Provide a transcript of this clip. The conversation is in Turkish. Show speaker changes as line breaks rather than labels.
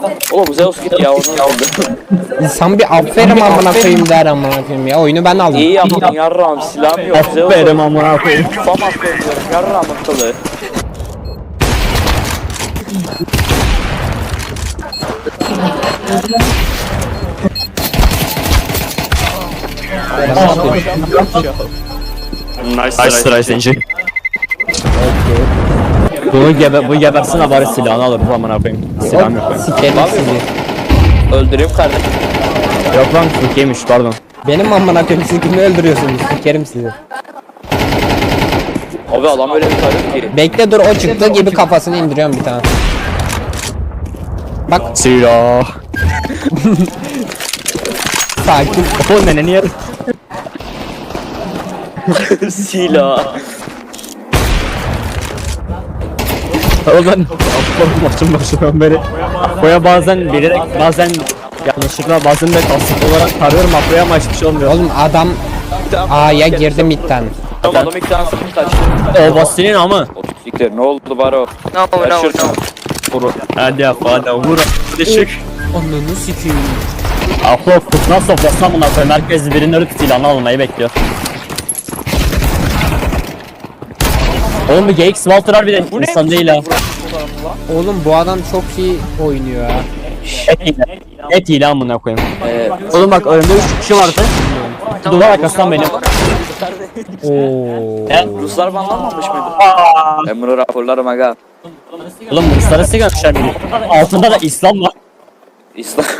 Oğlum Zeus git ya onu aldı.
İnsan bir aferin amına koyayım der amına koyayım ya. Oyunu ben aldım.
İyi yaptın yarrağım, silahım yok. Zeus
Aferin amına koyayım.
Famas oynuyorum yarrağım akıllı.
Nice try Zenci. Bu gebersin de bari silahını alır bu amına koyayım. Silahım yok benim.
Sikerim sizi.
Öldüreyim kardeşim.
Yok lan Türkiye'ymiş pardon.
Benim amına koyayım siz kimi öldürüyorsunuz? Sikerim sizi.
Abi adam öyle bir tarif ki.
Bekle dur o çıktığı gibi kafasını indiriyorum bir tane. Bak
Silah.
sakin.
O neneni yer.
Silah.
Oğlum ben maçın başından beri Apo'ya bazen bilerek bazen yanlışlıkla bazen de kasıtlı olarak tarıyorum Apo'ya ama hiçbir şey olmuyor.
Oğlum adam A'ya girdi midden.
Adam ilk tane sıkıntı kaçtı.
O Basri'nin ama.
O pislikler ne oldu bari o?
Vur. Hadi hadi vur. Düşük.
Ananı sikeyim.
Apo kutuna sofrasına buna koyayım. Herkes birinin ölüp silahını almayı bekliyor. Oğlum bir GX Walter bir de insan değil ha.
Oğlum bu adam çok iyi oynuyor ha.
Et hile amına koyayım. Oğlum bak önümde 3 kişi vardı. Duvar arkasından benim.
Oo.
Ruslar banlanmamış mıydı? Ben bunu raporlarım aga.
Oğlum Ruslara sigarmışlar biri. Altında da İslam var.
İslam.